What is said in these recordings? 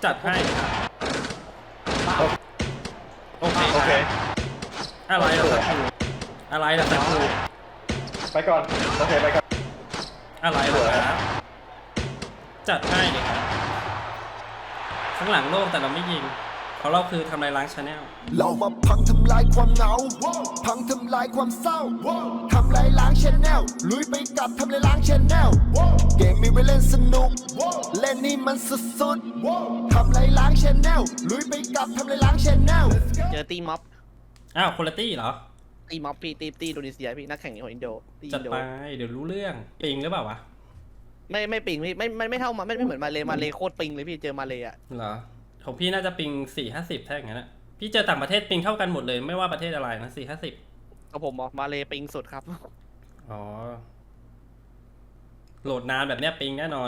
จัดให้ครับโอเคอะไรล่ะสักครู่อะไรล่ะสักครู่ไปก่อนโอเคไปก่อนอะไรล่ะครับจัดให้เลยครับข้างหลังโล่งแต่เราไม่ยิงเพราะเราคือทำลายล้างชาแนลเรามาพังทำลายความเหงา พังทำลายความเศร้า ทำลายล้างชแนลลุยไปกับทำลายล้างชแนลเกมมีไว้เล่นสนุก เล่นนี่มันสุดๆทำลายล้างชแนลลุยไปกับทำลายล้างชแนลเจอตีม็อบอ้าวคุณตี้เหรอตีม็อบพี่ตีอินโดนีเซียพี่นักแข่งของอินโดตีจัอิดนโดไปเดี๋ยวรู้เรื่องปิงหรือเปล่าวะไม่ปิงพี่ไม่เท่ามาไม่เหมือนมาเลโคตรปิงเลยพี่เจอมาเลอะเหรอของพี่น่าจะปิง4-50ถ้าอย่างนั้นอะพี่เจอต่างประเทศปิงเท่ากันหมดเลยไม่ว่าประเทศอะไรนะ4-50 กับผมบอกมาเลปิงสุดครับอ๋อโหลดนานแบบเนี้ยปิงแน่นอน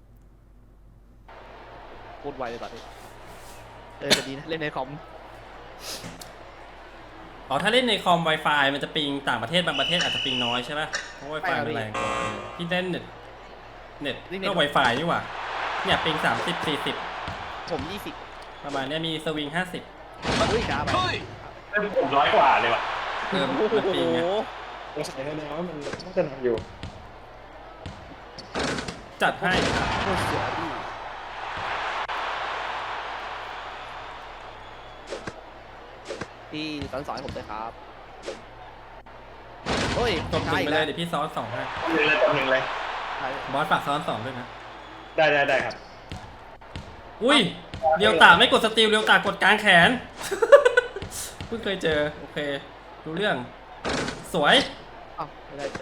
พูดไวเลยตอนนี้จะดีนะเล่นในคอมอ๋อถ้าเล่นในคอม Wi-Fi มันจะปิงต่างประเทศบางประเทศอาจจะปิงน้อยใช่ไหมเพราะ Wi-Fi มันแรงกว่าพี่เล่นเน็ตก็ Wi-Fi นี่หว่าเนี่ยปิง30-40 ผม20 ประมาณเนี้ยมีสวิง50 อุ้ยช้าไปผม100 กว่าเลยว่ะมันปิงไงสงสัยแน่ๆว่ามันน่าจะหนักอยู่จัดให้ครับโคตรสวยพี่สอนผมเลยครับเฮ้ยตบหนึ่งไปเลยเดี๋ยวพี่ซ้อน2ให้หนึ่งเลยบอสฝากซ้อน2ด้วยนะได้ครับอุ้ยเรียวตาไม่กดสติลเรียวตากดกลางแขน เพิ่งเคยเจอโอเครู้เรื่องสวยอ้าวไม่ได้เลย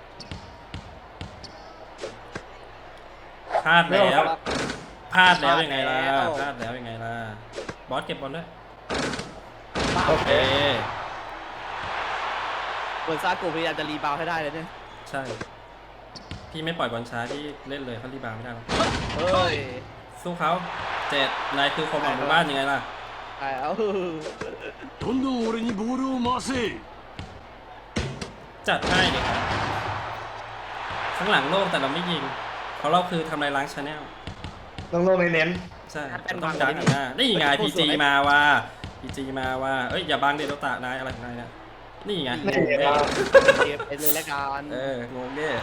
พลาดแล้วพลาดแล้วยังไงล่ะพลาดแล้วยังไงล่ะบอสเก็บบอลด้วยโอเคเหมือนซาโกพยายามจะรีบาวให้ได้เลยเนี่ยใช่พี่ไม่ปล่อยบอลช้าที่เล่นเลยเขารีบาวไม่ได้หรอกเฮ้ยสู้เขา7นายคือความหวังหมู่บ้านยังไงล่ะไอ้เอาどんどん俺にボールを回せจัดให้เลยครับข้างหลังโล่งแต่เราไม่ยิงเพราะเราคือทำลายล้างชาแนลต้องลงเน้นใช่ต้องดันหน้านี่ไงพีจีมาว่าเอ้ยอย่าบังเดโดตานายอะไรของนายเนี่ยนี่ไงนี่งงครัเด้บไปเลยละกันงงเด้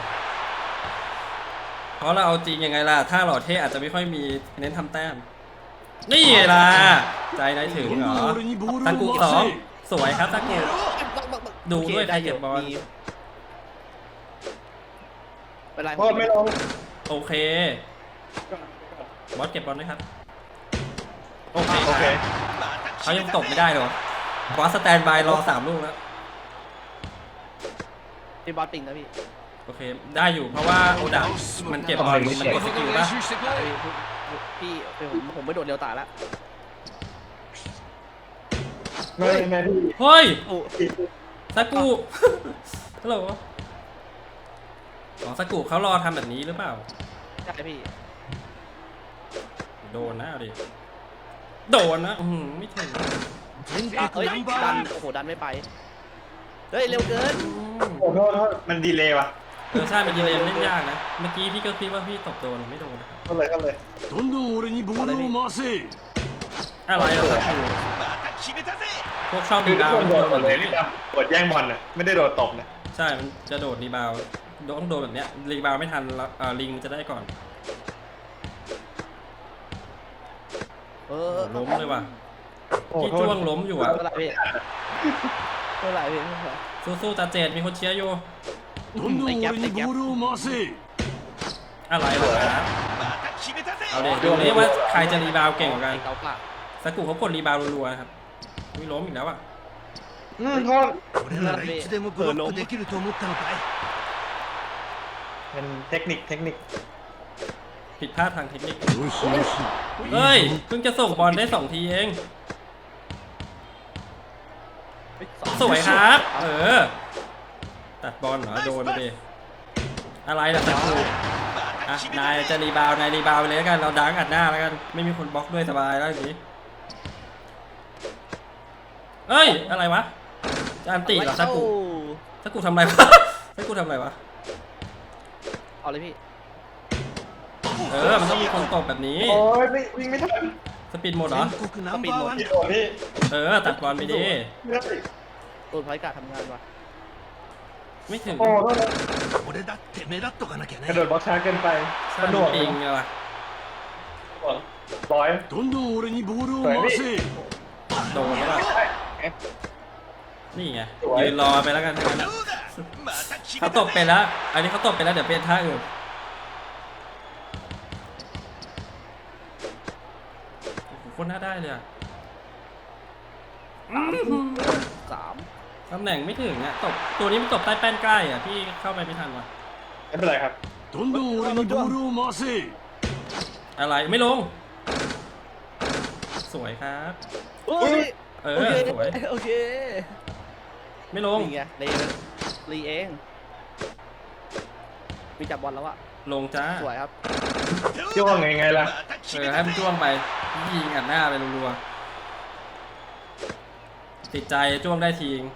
เพราะเราเอาจริงยังไงล่ะถ้าหล่อเท่อาจจะไม่ค่อยมีเน้นทำแต้มนี่ไงล่ะใจนายถึงどんเหรどอน俺にボールตะกุをสอง回สวยครับตะกุดูด้วยใครเก็บบอลเป็นไรโทษไม่ลงโอเคบอสเก็บบอลด้วยครับโอเคโอเคเขายังตกไม่ได้หรอบอสสแตนบายรอ3 ลูกแล้วพี่บอสปิงนะพี่โอเคได้อยู่เพราะว่าโอดะมันเก็บบอลมันกดสกิลป่ะพี่ผมไม่โดดเร็วตายแล้วไม่พี่เฮ้ยโอ้สากุฮัลโหลสากุเขารอทำแบบนี้หรือเปล่าใช่พี่โดนนะเอาดิโดนนะไม่ถึงเอ้ยดันโอ้โหดันไม่ไปเฮ้ยเร็วเกินโอ้โทษมันดีเลย์ว่ะใช่มันดีเลยเล่นยากนะเมื่อกี้พี่ก็คิดว่าพี่ตบโดนไม่โดนนะครับเข้าเลยどんどん俺にボールを回せอะไรเหรอสากุพวกชอบคืรีอทุกบาวคนมันโดโดนนหมแบบดเลยนี้นี่ครับกดแย่งบอลนะไม่ได้โดดตบนะใช่มันจะโดดรีบาวต้องโดนแบบเนี้ยรีบาวไม่ทันแล้วลิงมันจะได้ก่อน ล้มเลยว่ะโอ้พี่โทษจ้วงล้มอยู่อ่ะเท่าไหร่พี่เท่าไหร่พี่สู้ๆตาเจดมีคนเชียร์อยู่どんどん俺にボールを回せอะไรเหรอครับเอาเดี๋ยวดูนี่ว่าใครจะรีบาวเก่งกว่ากันเกาปากสกุเขากดรีบาวรัวๆนะครับวิล้มอีกแล้วอ่ะโทษ俺ならいつでもブロックできると思ったのかいเป็นเทคนิคผิดพลาดทางเทคนิคよしよしเฮ้ยเพิ่งจะส่งบอลได้2 ทีเองสวยครับตัดบอลเหรอโดนไปดิอะไรล่ะสกุอ่ะนายจะรีบาวนายรีบาวไปเลยแล้วกันเราดังอัดหน้าแล้วกันไม่มีคนบล็อกด้วยสบายแล้วอย่างนี้เอ้ยอะไรวะจะอันติเหรอสกุทำอะไรวะสกุทำอะไรวะเอาเลยพี่มันต้องมีคนตบแบบนี้โอ้ยวิ่งไม่ทันสปีดหมดเหรอ全国ナンバーワンพี่だโดนพี่ตัดบอลไปดิไม่ได้ตัวพอยการทำงานว่ะไม่ถึงโอ้โทษนะ俺だって目立っとかなきゃกระโดねดบล็อกช้าเกินไปสกระโดนุกดจริงเลยว่ะร้อยどんどん俺にボールを回せโดนแล้วล่ะนี่ไงสวยยืนรอไปแล้วกันทั้งนั้นอะเขาตบไปแล้ว อันนี้เขาตบไปแล้วเดี๋ยวเป็นท่าอื่นโอ้โหโคนน่าได้เลยอะ 3 ตำแหน่งไม่ถึงอะตบตัวนี้มันตบใต้แป้นใกล้อะพี่เข้าไปไม่ทันว่ะไม่เป็นไรครับどんどん俺にボールを回せอะไรไม่ลง สวยครับโอ้ยเอโออเคสวยโอเคไม่ลงนี่ไงรีเองมีจับบอลแล้วอะลงจ้าสวยครับจ้วงไงล่ะให้มันจ้วงไปยิงอัดหน้าไปรัวๆติดใจจ้วงได้ทีง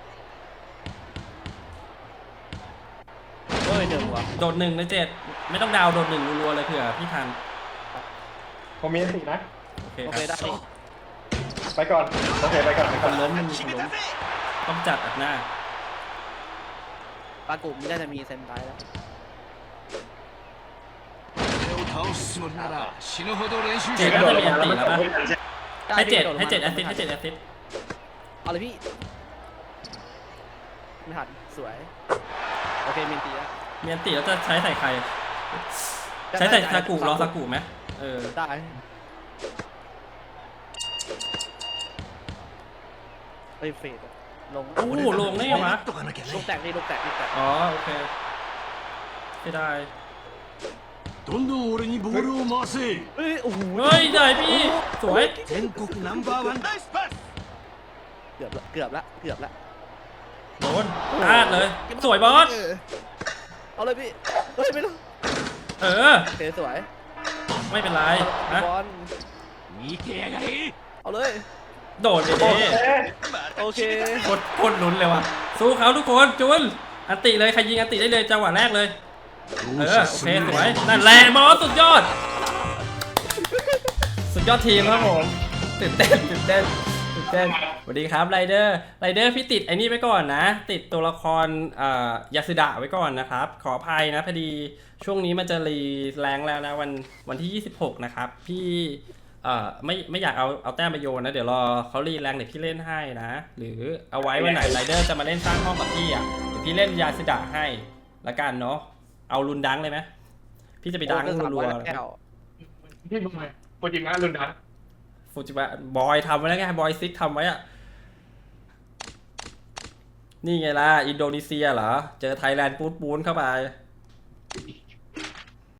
เฮ้ยเดือดหัวโดด1 ใน 7ไม่ต้องดาวโดด1รัวๆเลยเผื่อพี่ทันผมมีอันตินะโอเคโอคเครับ ได้นี่ไปก่อน โอเค ไปก่อน ไปคก่อนนล้มมันมีคนล้มต้องจัดอัดหน้าปลากลุ่มน่าจะมีเซนไตแล้ว俺を倒すつもりなら死ぬほど練習เจ็しดてน่าるจะมีอันติแล้วปะ ให้7ให้7 ได้แอสซิสให้7แอสซิสเอาเลยพี่ไม่ทันสวยโอเคเมนตีแล้วมีอันติแล้วจะใช้ใส่ใคร ใช้ใส่ซากุรอซากุไหมเออได้เฮ้ยเฟดอะลงโอ้โหลงได้ไง目วะ立っとかなきゃลูกねแตกนี่ลูกแตกลูกแตกอ๋อโอเคไม่ได้どんどん俺にボールを回せเฮ้ยโอ้โหเฮ้ยได้พี่สวย全国ナンバーワンだเกือบละเกือบละเกือบละโดนพลาดเลย สวยบอสเอาเลยพี่เฮ้ยไม่รู้เออโอเคสวยไม่เป็นไรนะบอล見てやがれเอาเลยโดดไปดิโอเคโคตรลุ้นเลยว่ะสู้เขาทุกคนจุนอันติเลยใครยิงอันติได้เลยจังหวะแรกเลยเออโอเคสวยนั่นแหละบอสสุดยอด สุดยอดทีมครับผมตื่นเต้นสวัสดีครับไรเดอร์พี่ติดไอ้นี่ไว้ก่อนนะ ติดตัวละครยาสึดะไว้ก่อนนะครับขออภัยนะพอดีช่วงนี้มันจะรีแรงแล้วนะวันที่26นะครับพี่ไม่อยากเอาแต้มไปโยนนะเดี๋ยวรอเขารีแรงเดี๋ยวพี่เล่นให้นะหรือเอาไว้วันไหนไรเดอร์จะมาเล่นสร้างห้องกับพี่อ่ะเดี๋ยวพี่เล่นยาสึดะให้ละกันเนาะเอารุนดังเลยไหมพี่จะไปดังรัวๆเลยแก้วพี่บอยโปรจิมะลุนดันฟูจิบะบอยทำไว้แล้วไงบอยซิกทำไว้อะนี่ไงล่ะอินโดนีเซียเหรอเจอไทยแลนด์ปูนเข้าไป